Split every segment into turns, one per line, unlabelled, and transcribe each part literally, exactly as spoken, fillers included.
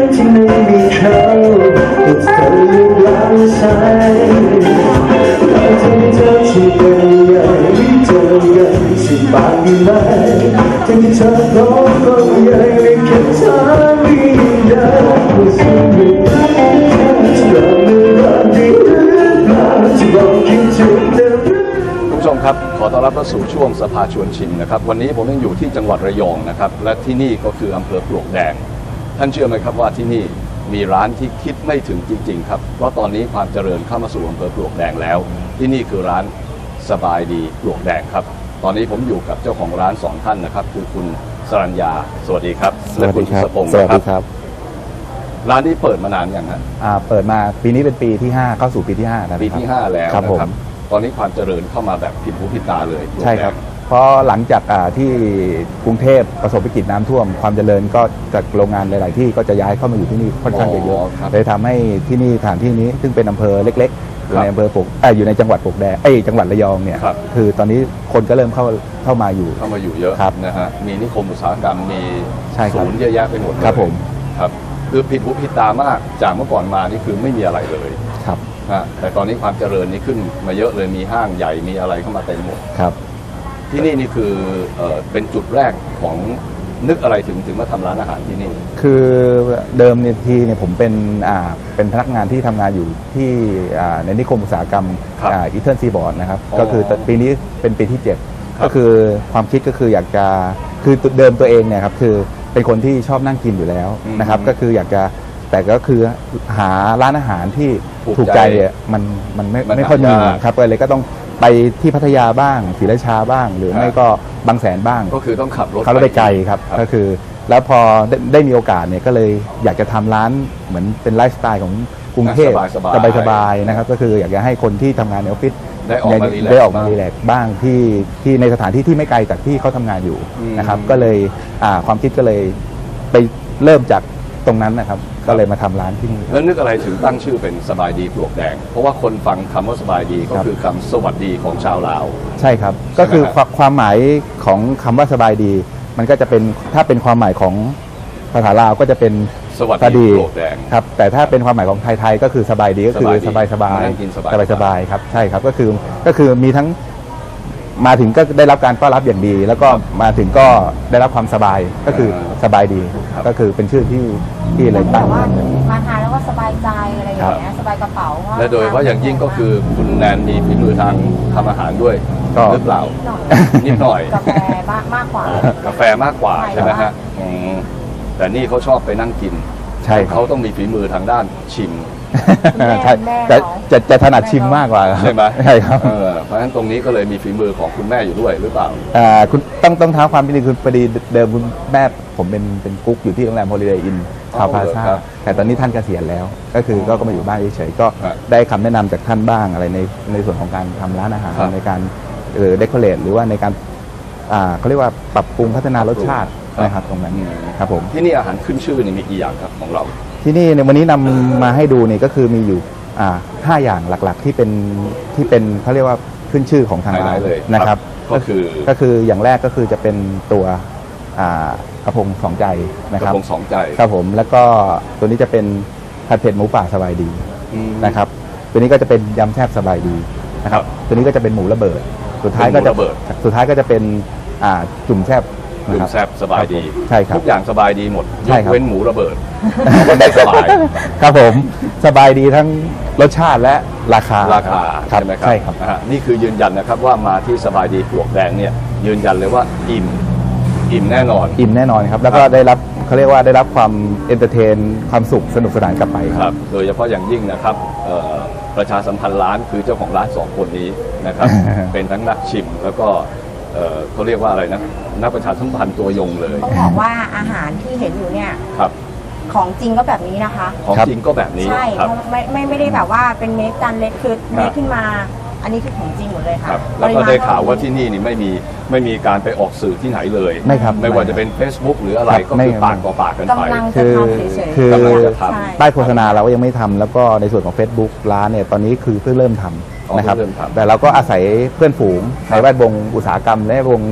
ที่ไม่มีเขาแต่เธอยังรักใช่เราจะไม่เจอที่เป็นยังไม่เจอกันสิบาทดีไหมที่เธอร้องก็ยังไม่แค่เธอไม่ได้ผู้สูงอยู่เราไม่รักดีหรือเปล่าที่บอกคิดถึงเธอคุณผู้ชมครับขอต้อนรับเข้าสู่ช่วงสภาชวนชิมนะครับวันนี้ผมยังอยู่ที่จังหวัดระยองนะครับและที่นี่ก็คืออำเภอปลวกแดงท่านเชื่อไหมครับว่าที่นี่มีร้านที่คิดไม่ถึงจริงๆครับเพราะตอนนี้ความเจริญเข้ามาสู่อำเภอปลวกแดงแล้วที่นี่คือร้านสบายดีปลวกแดงครับตอนนี้ผมอยู่กับเจ้าของร้านสองท่านนะครับคือคุณสรัญญาสวัสดีครับและคุณทศพงศ์นะครับร้านนี้เปิดมานานยังฮะ
อ่าเปิดมาปีนี้เป็นปีที่ห้าเข้าสู่ปีที่ห้าแล้ว
ปีที่ห้าแล้วนะครับตอนนี้ความเจริญเข้ามาแบบผิดหูผิดตาเลย
ใช่ครับเพราะหลังจากที่กรุงเทพประสบวิกฤตน้ำท่วมความเจริญก็จากโรงงานหลายๆที่ก็จะย้ายเข้ามาอยู่ที่นี่ค่อนข้างเยอะเลยทำให้ที่นี่สถานที่นี้ซึ่งเป็นอำเภอเล็กๆอยู่ในอำเภอปลวกอยู่ในจังหวัดปลวกแดงเอ้ยจังหวัดระยองเนี่ยคือตอนนี้คนก็เริ่มเข้าเข้ามาอยู่
เข้ามาอยู่เยอะนะฮะมีนิคมอุตสาหกรรมมีศูนย์เยอะแยะไปหมดเลย
ครับผม
ครับคือผิดหูผิดตามากจากเมื่อก่อนมานี่คือไม่มีอะไรเลย
ครับ
แต่ตอนนี้ความเจริญนี่ขึ้นมาเยอะเลยมีห้างใหญ่มีอะไรเข้ามาเต็มหมด
ครับ
ที่นี่นี่คือเอ่อเป็นจุดแรกของนึกอะไรถึงถึงมาทำร้านอาหารที่นี่
คือเดิมเนี่ยทีเนี่ยผมเป็นอ่าเป็นพนักงานที่ทำงานอยู่ที่อ่าในนิคมอุตสาหกรรมอ่าอีเทิร์นซีบอร์ดนะครับก็คือปีนี้เป็นปีที่เจ็ดก็คือความคิดก็คืออยากจะคือเดิมตัวเองเนี่ยครับคือเป็นคนที่ชอบนั่งกินอยู่แล้วนะครับก็คืออยากจะแต่ก็คือหาร้านอาหารที่ถูกใจเนี่ยมันมันไม่ไม่ค่อยมีครับเลยก็ต้องไปที่พัทยาบ้างศรีราชาบ้างหรือไม่ก็บางแสนบ้าง
ก็คือต้องขับรถ
ขับรถไปไกลครับก็คือแล้วพอได้มีโอกาสเนี่ยก็เลยอยากจะทำร้านเหมือนเป็นไลฟ์สไตล์ของกรุงเทพสบายๆนะครับก็คืออยากจะให้คนที่ทำงานในออฟฟิศ
ได้ออกมา
ได้ออกมารีแลกซ์บ้างที่ที่ในสถานที่ที่ไม่ไกลจากที่เขาทำงานอยู่นะครับก็เลยความคิดก็เลยไปเริ่มจากตรงนั้นนะครับก็เลยมาทำร้านที่นี่
แล้วนึกอะไรถึงตั้งชื่อเป็นสบายดีปลวกแดงเพราะว่าคนฟังคำว่าสบายดีก็คือคำสวัสดีของชาวลาว
ใช่ครับก็คือความหมายของคำว่าสบายดีมันก็จะเป็นถ้าเป็นความหมายของภาษาลาวก็จะเป็น
สวัสดีปลวกแดง
ครับแต่ถ้าเป็นความหมายของไทยๆก็คือสบายดีก็คือสบายสบายสบายสบายครับใช่ครับก็คือก็คือมีทั้งมาถึงก็ได้รับการต้อนรับอย่างดีแล้วก็มาถึงก็ได้รับความสบายก็คือสบายดีก็คือเป็นชื่อที่ที่เลยตั้ง
ว่ามาทานแล้วก็สบายใจอะไรอย่างเงี้ยสบายกระเป๋า
และโดยเพราะอย่างยิ่งก็คือคุณแนนมีฝีมือทางทำอาหารด้วยหรือเปล่านิดหน่อย
กาแฟมากกว่าก
าแฟมากกว่าใช่ไหมฮะแต่นี่เขาชอบไปนั่งกิน
ใช่
เขาต้องมีฝีมือทางด้านชิม
ใช่จะจะจะถนัดชิมมากกว่า
ใช่ไหม
ใช่ครับ
เพราะฉะนั้นตรงนี้ก็เลยมีฝีมือของคุณแม่อยู่ด้วยหรือเปล่า
อ่าคุณต้องต้องท้าความเป็นจริงคือพอดีเดิมคุณแม่ผมเป็นเป็นกุ๊กอยู่ที่โรงแรมโฮลิเดย์อินทาวน์พลาซ่าแต่ตอนนี้ท่านเกษียณแล้วก็คือก็มาอยู่บ้านเฉยๆก็ได้คำแนะนำจากท่านบ้างอะไรในในส่วนของการทำร้านอาหารในการเออเดคอเรทหรือว่าในการอ่าเขาเรียกว่าปรับปรุงพัฒนารสชาตินะครับตรงนั้นครับผม
ที่นี่อาหารขึ้นชื่อนี่มีกี่อย่างครับของเรา
ที่นี่ในวันนี้นำมาให้ดูนี่ก็คือมีอยู่อ่าห้าอย่างหลักๆที่เป็นที่เป็นเขาเรียกว่าขึ้นชื่อของทางร้าน
เลย
นะครับ
ก็คือ
ก็คืออย่างแรกก็คือจะเป็นตัวอ่ากระพงสองใจนะครับ
กระพงสองใจ
ครับผมแล้วก็ตัวนี้จะเป็นผัดเผ็ดหมูป่าสบายดีนะครับตัวนี้ก็จะเป็นยำแซ่บสบายดีนะครับตัวนี้ก็จะเป็นหมูระเบิดสุดท้ายก็จะสุดท้ายก็จะเป็นอ่าจุ่มแซ่บ
จุ่มแซ่บสบายดี
ใช่ครับ
ทุกอย่างสบายดีหมดยกเว้นหมูระเบิด
มันได้สบายครับผมสบายดีทั้งรสชาติและราคา
ราคาใช่ไหมครับใช่ครับนี่คือยืนยันนะครับว่ามาที่สบายดีปลวกแดงเนี่ยยืนยันเลยว่าอิ่มอิ่มแน่นอน
อิ่มแน่นอนครับแล้วก็ได้รับเขาเรียกว่าได้รับความเอนเตอร์เทนความสุขสนุกสนานกลับไป
ครับโดยเฉพาะอย่างยิ่งนะครับประชาสัมพันธ์ร้านคือเจ้าของร้านสองคนนี้นะครับ เป็นทั้งนักชิมแล้วก็เขาเรียกว่าอะไรนะนักประชาสัมพันธ์ตัวยงเลย
ต้องบอกว่าอาหารที่เห็นอยู่เนี่ย
ครับ
ของจริงก็แบบนี้นะคะ
ของจริงก็แบบนี้
ใช่ไม่ไม่ไม่ได้แบบว่าเป็นเมคจานเล็กคือเมคขึ้นมาอันนี้คือของจริงหมดเลยค่ะ
แล้วก็ได้ข่าวว่าที่นี่นี่ไม่มีไม่มีการไปออกสื่อที่ไหนเลย
ไม่ครับ
ไม่ว่าจะเป็น Facebook หรืออะไรก็คือปากต่อปากกันไป
คือคือป้ายโฆษณาเราก็ยังไม่ทำแล้วก็ในส่วนของ Facebook ร้านเนี่ยตอนนี้คือเพิ่งเริ่มทำนะครับแต่เราก็อาศัยเพื่อนฝูงในแวดวงอุตสาหกรรมและวง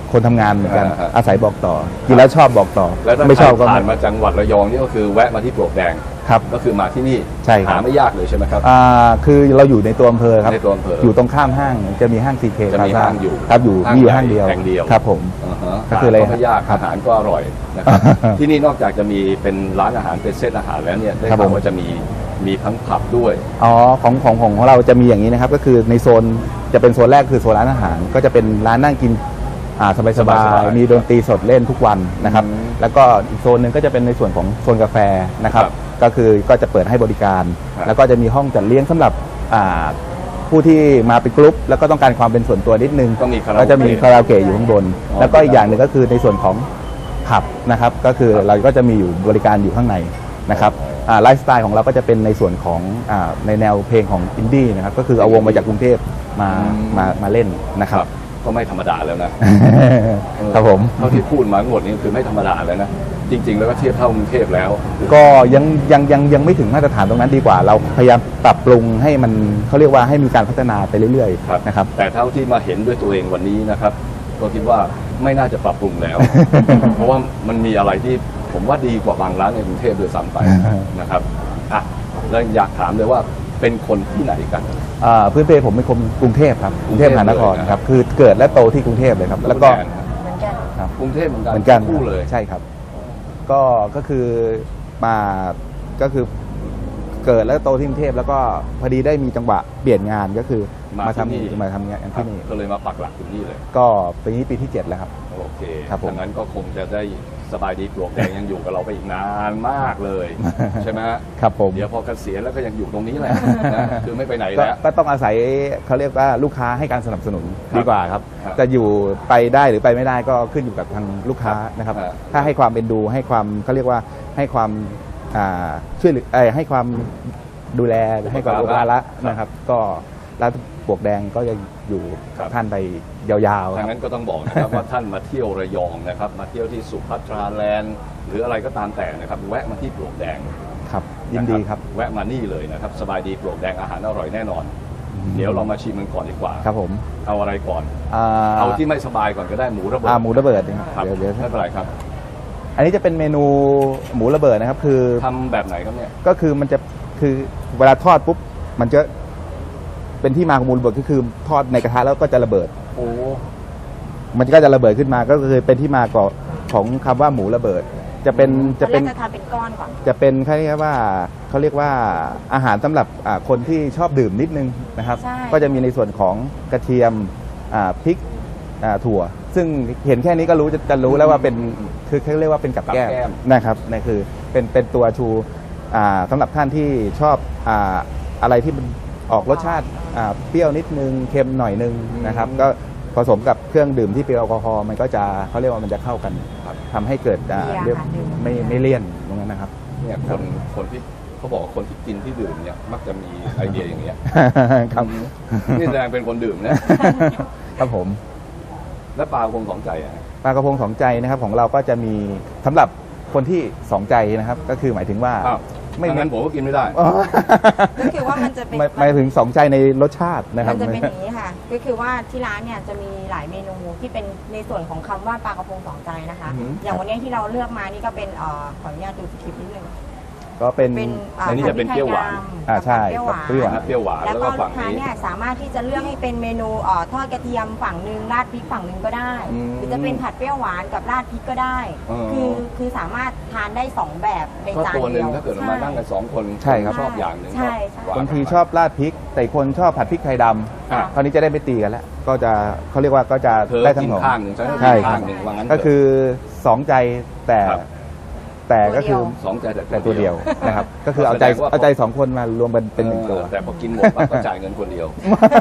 คนทำงานเหมือนกัน
อ่าฮะ
อาศัยบอกต่อกินแล้วชอบบอกต่อ
แล้วถ้า
ไม่ชอบ
ใคร
ก็
ผ่านมาจังหวัดระยองนี่ก็คือแวะมาที่ปลวกแดง
ครับ
ก็คือมาที่นี่
ใช่ครับ
หาไม่ยากเลยใช่ไหมครับ
อ่าคือเราอยู่ในตัวอำเภอครับ
ในตัวอำเภอ
อยู่ตรงข้ามห้างจะมีห้างซีเค
จะมีห้างอยู่
ครับอยู่
ห้าง
มีอยู่
ใหญ่
ห้างเดียว
แห่งเดียว
ครับผม
อ่าฮะ
ก็คืออะไร
หาไม่ยาก
ครับ
อาหารก็อร่อยนะครับ ที่นี่นอกจากจะมีเป็นร้านอาหารเป็นเซตอาหารแล้วเนี่ยได้
ครับ
ข่าว
ผม
ว่าจะมีมีทั้งผับด้วย
อ๋อของของของของเราจะมีอย่างนี้นะครับ ก็คือในโซนจะเป็นโซนแรกคือโซนร้านอาหาร ก็จะเป็นร้านนั่งกินอ่าสบาย
สบาย
ๆ
ๆ
มีดนตรีสดเล่นทุกวันนะครับ
อืม
แล้วก็อีกโซนหนึ่งก็จะเป็นในส่วนของโซนกาแฟนะครับ
ครับ
ก็คือก็จะเปิดให้บริการ
ครับ
แล้วก็จะมีห้องจัดเลี้ยงสำหรับอ่าผู้ที่มาเป็นกลุ่มแล้วก็ต้องการความเป็นส่วนตัวนิดนึง
ก็มีคาราโอเกะ
ก็จะมีคาราโอเกะอยู่ข้างบน
อ๋อ
แล้วก็อีกอย่างหนึ่งก็คือในส่วนของผับนะครับ ก็คือเราก็จะมีอยู่บริการอยู่ข้างในนะครับอ่าไลฟ์สไตล์ของเราก็จะเป็นในส่วนของอ่าในแนวเพลงของอินดี้นะครับ ก็คือเอาวงมาจากกรุงเทพมามามาเล่นนะครับ
ก็ไม่ธรรมดาแล้วนะ
ครับผม
เท่าที่พูดมาทั้งหมดนี้คือไม่ธรรมดาแล้วนะ จริง ๆ แล้วก็เทียบเท่ากรุงเทพแล้ว
ก็ยังยังยังยังไม่ถึงมาตรฐานตรงนั้นดีกว่า เราพยายามปรับปรุงให้มันเขาเรียกว่าให้มีการพัฒนาไปเรื่อย
ครับ
ๆนะครับ
แต่เท่าที่มาเห็นด้วยตัวเองวันนี้นะครับ ก็คิดว่าไม่น่าจะปรับปรุงแล้ว เพราะว่ามันมีอะไรที่ผมว่าดีกว่าบางร้านในกรุงเทพด้วยซ้ำไปนะครับอ่ะแล้วอยากถามเลยว่าเป็นคนที่ไหนกัน
อ่าพื้นเพผมเป็นคนกรุงเทพครับกรุงเทพมหานคร
เลยนะ
ครับคือเกิดและโตที่กรุงเทพเลยครับ แล้วก็
แนครับ
เหมือนกัน
ครับ
กรุงเทพเหมือนกัน
เหมือนกัน
คู่เลย
ใช่ครับ ก็ก็คือมาก็คือเกิดและโตที่กรุงเทพแล้วก็พอดีได้มีจังหวะเปลี่ยนงานก็คือ
มา
มา
ที่นี่
ทำมาทำงานที่นี่
ก็เลยมาปักหลักอยู่นี่เลย
ก็ปีนี้ปีที่เจ็ดแล้วครับ
โอเค
ครับผม
ดังนั้นก็คงจะได้สบายดีปลวกแดงยังอยู่กับเราไปอีกนานมากเลย ใช่ไหมฮะ
ครับผม
เดี๋ยวพอเกษียณแล้วก็ยังอยู่ตรงนี้แหละนะคือไม่ไปไหน
ก็
แล้ว
ก็ต้องอาศัยเขาเรียกว่าลูกค้าให้การสนับสนุน
ครับ
ดีกว่าครับ
ครับ
จะอยู่ไปได้หรือไปไม่ได้ก็ขึ้นอยู่กับทางลูกค้านะครับ
ครับ
ถ้าให้ความเป็นดูให้ความเขาเรียกว่าให้ความอ่าช่วยเหลือเอ่อให้ความดูแลให้ความอุปการะนะครับ ก็ร้านปลวกแดงก็จะอยู่กับท่านไปยาวๆค
ดั
รับ
งนั้นก็ต้องบอกนะครับ ว่าท่านมาเที่ยวระยองนะครับ มาเที่ยวที่สุพัทราแลนด์หรืออะไรก็ตามแต่นะครับ แวะมาที่ปลวกแดง
ครับ ยินดีครับ
แวะมานี่เลยนะครับ สบายดีปลวกแดงอาหารอร่อยแน่นอน เดี๋ยวเรามาชิมมันก่อนดีกว่า
ครับผม
เอาอะไรก่อน
อ่า
เอาที่ไม่สบายก่อนก็ได้หมูระเบิด
อ่าหมูระเบิดนะครับ
ครับ
เดี๋ยวเดี๋ยว
ไม่เป็นไรครับ
อันนี้จะเป็นเมนูหมูระเบิดนะครับ คือ
ทำแบบไหนครับเนี่ย
ก็คือมันจะคือเวลาทอดปุ๊บมันจะเป็นที่มาของหมูระเบิดก็คือทอดในกระทะแล้วก็จะระเบิด
โอ้
มันก็จะระเบิดขึ้นมาก็คือเป็นที่มาก่อนของคำว่าหมูระเบิด จะเป็น
จะ
จะ
เป็
เป็น น
จะทานเป็นก้อนก่อน
จะเป็นเขาเรียกว่าเขาเรียกว่าอาหารสำหรับอ่าคนที่ชอบดื่มนิดนึงนะครับ
ใช่
ก็จะมีในส่วนของกระเทียมอ่าพริกอ่าถั่ว ซึ่งเห็นแค่นี้ก็รู้จะจะรู้แล้วว่าเป็นคือเขาเรียกว่าเป็นกับแก้ม
กับแก้ม
นะครับนั่นคือเป็นเป็นตัวชูอ่าสำหรับท่านที่ชอบอ่าอะไรที่มันออกรสชาติอ่าเปรี้ยวนิดนึงเค็มหน่อยนึงนะครับ ก็ผสมกับเครื่องดื่มที่เป็นแอลกอฮอล์มันก็จะเขาเรียกว่ามันจะเข้ากัน
ครับ
ทำให้เกิดอ่า
มีอาหาร
เรียก
ดื่ม
ไม่ไม่เลี่ยนตรงนั้นนะครับ
เนี่ยคนคนที่เขาบอกว่าคนที่กินที่ดื่มเนี่ยมักจะมีไอเดียอย่างเงี้ย
ครับ
นี่แสดงเป็นคนดื่มนะ
ครับผม
และปลาคงสองใจอ่ะ
ปลากระพงสองใจนะครับของเราก็จะมีสำหรับคนที่สองใจนะครับ ก็คือหมายถึงว่า
อ้าว
ไม่
ไม่งั้นผมก็กินไม่ได้
อ๋อ
ก็คือว่ามันจะเป็น
หมายหมายถึงสองใจในรสชาตินะครับ
มันจะเป็นอย่างนี้ค่ะ ก็คือว่าที่ร้านเนี่ยจะมีหลายเมนูที่เป็นในส่วนของคำว่าปลากระพงสองใจนะคะ
อือหือ
อย่างวันนี้ที่เราเลือกมานี่ก็เป็นเอ่อขออนุญาตดูสคริปต์นิดนึง
ก็เป็น
เป็นเ
อันนี้จะเป็นเปรี้ยวหวาน
อ่าใช่
เปรี้ยวหวาน
เปรี้ยวหวาน
เปรี้ยวหวาน
แล้ว
แล้ว
ก็
ก็
ลู
ฝั่
ก
ง
ค้า
นี้
เนี่ยสามารถที่จะเลือกให้เป็นเมนูเอ่อทอดกระเทียมฝั่งหนึ่งราดพริกฝั่งหนึ่งก็ได้
อืม
หรือจะเป็นผัดเปรี้ยวหวานกับราดพริกก็ได้
อ๋อ
คือคือสามารถทานได้สองแบบใน
ก็
จาน
ตัวห
เดี
นึ่ง
ยว
ถ้าเกิดมานั่งกันสองคน
ใช่ครับ
ชอบอย่างหนึ่ง
ใช่ใช่
ก็หว
บางทีชอบราดพริก แต่อีกคนชอบผัดพริกไทยด
อ่ะ
ำคราวนี้จะได้ไม่ตีกันแล้ว ก็จะเขาเรียกว่าก็จะ
เธอ
ได้ทั้
กิ
ง
น
สอง
ข้างหนึ่งฉันก็
ใช่
กิน
ครั
ข้า
บ
งหนึ่งว่างั้น
ก็คือสองใจแต่
ครับ
แต่ก็คือ
สองใจแต่
แต่ตัวเดียวนะครับ ก็คือเอาใจ
แสดงว่า
เอาใจสองคนมารวมเป็นเป็นหนึ่งตัว
เออแต่พอกินหมดปั๊บก็จ่ายเงินคนเดียว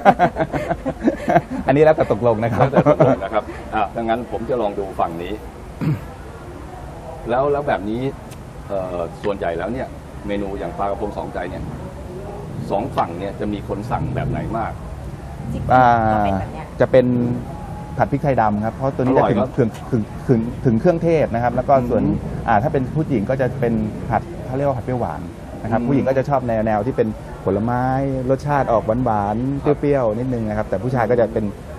อันนี้แล้วแต่ตกลงนะครับ
แล้วแต่ตกลงนะครับอ่ะดังนั้นผมจะลองดูฝั่งนี้ แล้วแล้วแบบนี้เอ่อส่วนใหญ่แล้วเนี่ย เมนูอย่างปลากระพงสองใจเนี่ยสองฝั่งเนี่ยจะมีคนสั่งแบบไหนมาก
ที่
อ่า
จะเป็นแบบเนี้ย
จะเป็นผัดพริกไทยดำครับ เพราะตัวนี้
อ
จะ
ร่อย
ถึง
ครับ
ถึงถึงถึงถึงเครื่องเทศนะครับ แล้วก็ส่วน
อืม
อ่าถ้าเป็นผู้หญิงก็จะเป็นผัดเขาเรียกว่าผัดเปรี้ยวหวานนะครับ
อืม
ผู้หญิงก็จะชอบแนวแนวที่เป็นผลไม้รสชาติออกหวานหวานๆ
ครับ
เปรี้ยวๆนิดนึงนะครับ แต่ผู้ชายก็จะเป็น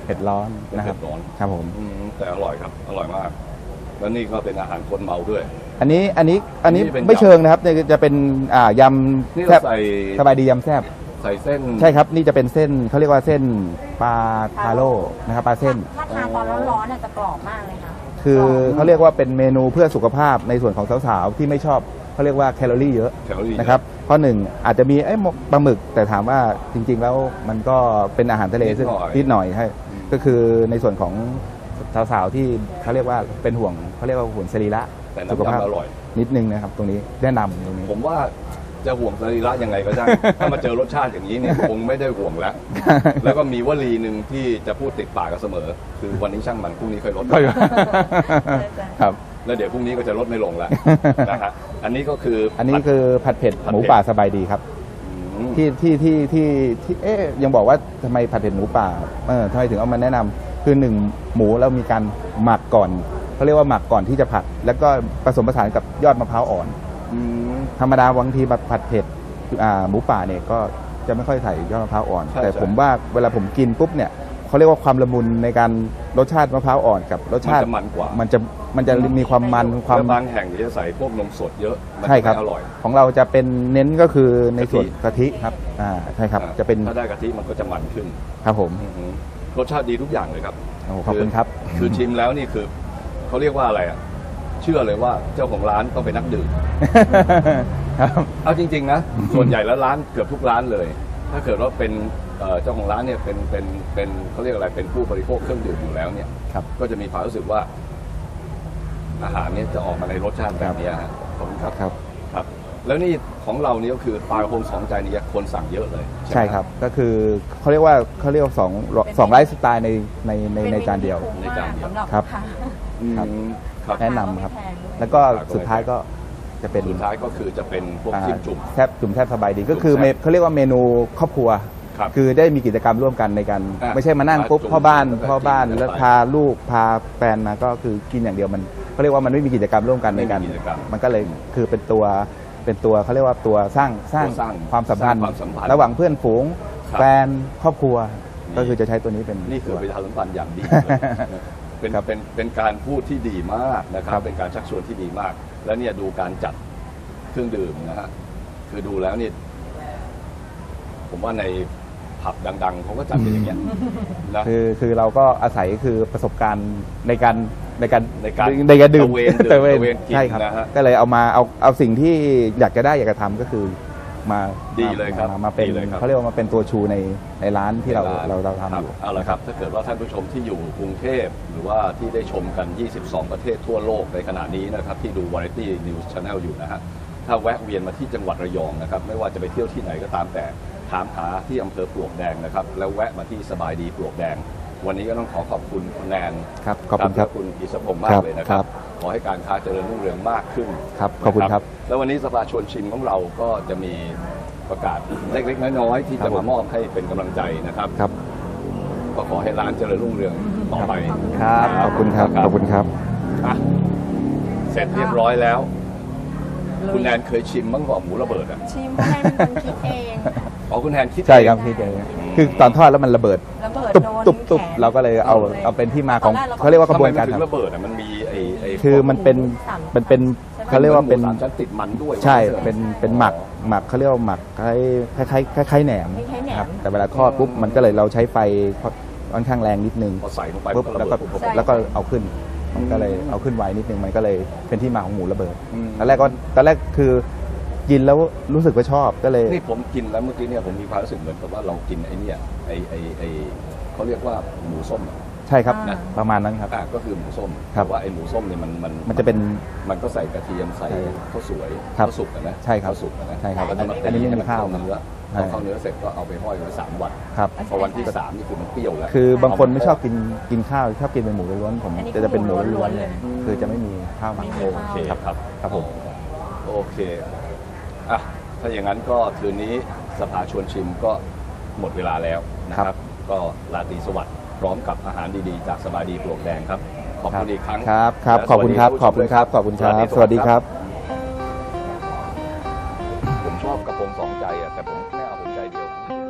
เผ็ดร้อน
เป็น
นะค
เผ็
รับ
ดร้อน
ครับผม
อืมแต่อร่อยครับอร่อยมาก แล้วนี่ก็เป็นอาหารคนเมาด้วย
อันนี้อันนี้อันนี้
นี่เป็น
ไม่
ยำ
เชิงนะครับเนี่ยจะเป็นอ่าย
นี่
ำแซ
เรา
บ
ใส่
สบายดียำแซบ
ใส่เส้น
ใช่ครับนี่จะเป็นเส้นเขาเรียกว่าเส้นปลาคาโร่นะครับปลาเส้น
ถ้าทานตอนร้อนๆเนี่ยจะกรอบมากเลยค่ะ
คือก
รบ
เขาเรียกว่าเป็นเมนูเพื่อสุขภาพในส่วนของสาวๆที่ไม่ชอบเขาเรียกว่าแคลอรี่เยอะ
แคลอรี่
นะครับเพราะหนึ่งอาจจะมีไอ้หมกปลาหมึก แต่ถามว่าจริงๆแล้วมันก็เป็นอาหารทะเลซึ่งนิดหน่อยใช่ก็คือในส่วนของสาวๆที่เขาเรียกว่าเป็นห่วงเขาเรียกว่าห่วงสรีระ
แต่
สุข
น้ำ
ภาพ
ยำอร่อย
นิดนึงนะครับตรงนี้แนะนำตรงนี้
ผมว่าจะห่วงสรีระยังไงก็ได้ ถ้ามาเจอรสชาติอย่างนี้เนี่ย คงไม่ได้ห่วงแล้ว แล้วก็มีวลีหนึ่งที่จะพูดติดปากกันเสมอ คือวันนี้ช่างมันพรุ่งนี้ค่อยลด
ครับ
แล้วเดี๋ยวพรุ่งนี้ก็จะลดไม่ลงแล้วนะฮะอันนี้ก็คือ
อันนี้
ผัด
คือผัดเผ็ด
ผัดเผ็ด
หมูป่าสบายดีครับ
อืม
ที่ที่ที่ที่ที่เอ๊ยยังบอกว่าทำไมผัดเผ็ดหมูป่าเออทำไมถึงเอามาแนะนำคือหนึ่งหมูเรามีการหมักก่อนเขาเรียกว่าหมักก่อนที่จะผัด แล้วก็ผสมผสานกับยอดมะพร้าวอ่อน
อืม
ธรรมดาบางทีแบบผัดเผ็ดอ่าหมูป่าเนี่ยก็จะไม่ค่อยใส่ยอดมะพร้าวอ่อน
ใช่
แต่
ใช่
ผมว่าเวลาผมกินปุ๊บเนี่ยเขาเรียกว่าความละมุนในการรสชาติมะพร้าวอ่อนกับรสชาติ
มันจะมันกว่า
มันจะมันจะมีความมันความ
แล้วบางแห่งจะใส่พวกนมสดเยอะมัน
ใช่ครับ
ไม่อร่อย
ของเราจะเป็นเน้นก็คือในส่วน
กะทิ
กะทิครับอ่าใช่ครับ
อ่า
จะเป็น
ถ้าได้กะทิมันก็จะมันขึ้น
ครับผม
อือหือรสชาติดีทุกอย่างเลยครับ
โอ้ขอบคุณครับ
คือชิมแล้วนี่คือเขาเรียกว่าอะไรอ่ะเชื่อเลยว่าเจ้าของร้านต้องเป็นนักดื่ม
ครับ
เอาจริง ๆ นะ ส่วนใหญ่แล้วร้านเกือบทุกร้านเลย ถ้าเกิดว่าเป็นเอ่อเจ้าของร้านเนี่ยเป็นเป็นเป็นเขาเรียกอะไรเป็นผู้บริโภคเครื่องดื่มอยู่แล้วเนี่ย
ครับ
ก็จะมีความรู้สึกว่า อาหารเนี่ยจะออกมาในรสชาติแบบเนี้ยฮะขอบคุณครับ
ครับ
ครับ แล้วนี่ของเรานี่ก็คือปลากระพงสองใจนี่คนสั่งเยอะเลยไหม
ใช่ครับก็คือเขาเรียกว่าเขาเรียกว่าสองสองไลฟ์สไตล์ในในในในจานเดียว
ป็ม
ในจานเดียว
สำหรับ
ครับ
ค่ะ
อืม
ครับ
ครับ
แนะนำครับ
ไม่แพงด้วย
แล้วก็สุดท้ายก็จะเป็น
สุดท้ายก็คือจะเป็นพวก
อ่า
จิ้มจุ่ม
แทบจุ่มแทบสบายดีก็คือ
จุ่มแซ่บ
เมเขาเรียกว่าเมนูครอบครัว
ครับ
คือได้มีกิจกรรมร่วมกันในการ
อ่ะ
ไม่ใช่มานั่ง
มา
ปุ๊บ
จุ่ม
พ่อบ้าน
แล้วก็
พ่อบ้าน
กิน
แล้ว
ไป
พาลูกพาแฟนมาก็คือกินอย่างเดียวมันเขาเรียกว่ามันไม่มีกิจกรรมร่วมกันในการ
ไม่มีกิจกรรม
มันก็เลยคือเป็นตัวเป็นตัวเขาเรียกว่าตัวสร้างสร้าง
ตัวสร้าง
ความสัมพันธ์
สร้างความสัมพันธ์
ระหว่างเพื่อนฝูง
ครับ
แฟนครอบครัว
นี่
ก็คือจะใช้ตัวนี้เป็น
นี่คือ
ตัว
ประชาสัมพันธ์อย่างดีเลยเป็น
ครับ
เป็นเป็นการพูดที่ดีมากนะครับ
ครับ
เป็นการชักชวนที่ดีมาก แล้วเนี่ยดูการจัดเครื่องดื่มนะฮะคือดูแล้วนี่ผมว่าในผับดัง ๆเขาก็จัดกันอย่างเงี้ยนะ
คือคือเราก็อาศัยคือประสบการณ์ในการในการ
ในการ
ในการดื่ม
ตะเวนดื่ม
ตะเวน
ตะเวนกิน
ใช่ครับ
นะฮะ
ก็เลยเอามาเอาเอาสิ่งที่อยากจะได้อยากจะทำก็คือมา
ดีเลยครับ
มามาเป็น
ดีเลยครับ
เขาเรียกว่ามาเป็นตัวชูในในร้านที่เรา
ในน
เราเราทำ
ค
อบ ยู่
เอาละครับ ถ้าเกิดว่าท่านผู้ชมที่อยู่กรุงเทพหรือว่าที่ได้ชมกัน ยี่สิบสอง ประเทศทั่วโลกในขณะนี้นะครับ ที่ดู Variety News Channel อยู่นะฮะถ้าแวะเวียนมาที่จังหวัดระยองนะครับ ไม่ว่าจะไปเที่ยวที่ไหนก็ตามแต่ถามหาที่อำเภอปลวกแดงนะครับ แล้วแวะมาที่สบายดีปลวกแดง วันนี้ก็ต้องขอขอบคุณคุณแนน
ครับขอบคุณครับ
และคุณอิสรพงษ์มา
ค
ก
รับ
เลยนะค
ครั
รับ บ ขอให้การค้าเจริญรุ่งเรืองมากขึ้น
ครับขอบคุณครับ
นะแล้ววันนี้สภาชวนชิมของเราก็จะมีประกาศเล็กๆน้อยๆที่
ครั
จะ
บผม
มามอบให้เป็นกำลังใจนะครับ
ครับ
ก็ขอให้ร้านเจริญรุ่งเรืองต่อไป
ครับขอบคุณครับขอบคุณครับ
อ่ะเสร็จเรียบร้อยแล้ว คุณแนนเคยชิมบ้างเปล่าหมูระเบิดอ่ะ
ชิมให้เป็นคนคิดเอง
อ๋อคุณแนนคิด
ใช่ครับ
เอง
พี่เจคือตอนทอดแล้วมันระเบิด
ระเบิด
ตุบ
โดน
ตุบตุบ
แขน
เราก็เลยเอา
ลย
เอาเป็นที่มาของ
ตอนแรกเราก็
เขาเรียกว่ากระบวนการ
ทำไมมันถึง
ทำ
ระเบิดอ่ะมันมีไอ้ไอ้
คือมันเป็นมันเป็นเขาเรียกว่าเป็น
หมูสามชั้นติดมันด้วย
ใช่ เป็น เป็นหมัก หมักเขาเรียกว่าหมักคล้ายคล้ายคล้ายคล้ายแหนม
คล้ายๆแหนม
ครับ แต่เวลาทอดปุ๊บ มันก็เลยเราใช้ไฟค่อนข้างแรงนิดนึง
พอใส่ลงไป
ปุ๊บ
มัน
แล้ว
ก็
ก็
ระเบิดปุ๊บ
ใช่
แล้วก็เอาขึ้น มันก็เลยเอาขึ้นไวนิดนึง มันก็เลยเป็นที่มาของหมูระเบิด
อืม
ตอนแรกก็ตอนแรกคือกินแล้วรู้สึกว่าชอบ ก็เลย
นี่ผมกินแล้วเมื่อกี้เนี่ยผมมีความรู้สึกเหมือนกับว่าเรากินไอ้เนี่ยไอ้ไอ้ไอ้เขาเรียกว่าหมูส้มอะ
ใช่ครับ
อ่า
ประมาณนั้นครับ
อ่ะก็คือหมูส้ม
ครับ
แต่ว่าไอ้หมูส้มเนี่ยมันมัน
มันจะเป็น
มันก็ใส่กระเทียมใส่
ใช่
ข้าวสวย
ครับ
ข้าวสุกอะนะ
ใช่ครับ
ข้าวสุกอะนะ
ใช่ครับ
แล้วก็มา
อันนี้ไม่มี
ให้
ข้าว
เข้เนื้อ
ใช่
พอเข้าเนื้อเสร็จก็เอาไปห้อยไว้สามวัน
ครับ
พอวันที่สามนี่คือมันเปรี้ยวแล้ว
คือบางคนไม่ชอบกิน กินข้าว ชอบกินเป็นหมูล้วนๆผม
อันนี้
จะจะเป็นหมู
คือหมูล้
ล้ว
วน น
ๆ
ๆ
เลย
เลย
คือจะไม่มีข้าวหมัก
ไม่มี
โอเค
ครับ
ครับ
ครับผม
โอเคอ่ะถ้าอย่างนั้นก็คืนนี้สภาชวนชิมก็หมดเวลาแล้วนะครับ ก็ราตรีสวัสดิ์พร้อมกับอาหารดีๆ จากสบายดีปลวกแดงครับ ขอบคุณอีกครั้ง
ครับครับ
และ
ขอบคุณครับ
สวัสดี
ขอบคุณครับ ขอบคุณครับ สวัสดีครับ
ผมชอบกระโปรงสองใจอ่ะแต่ผมไม่เอาผมใจเดียว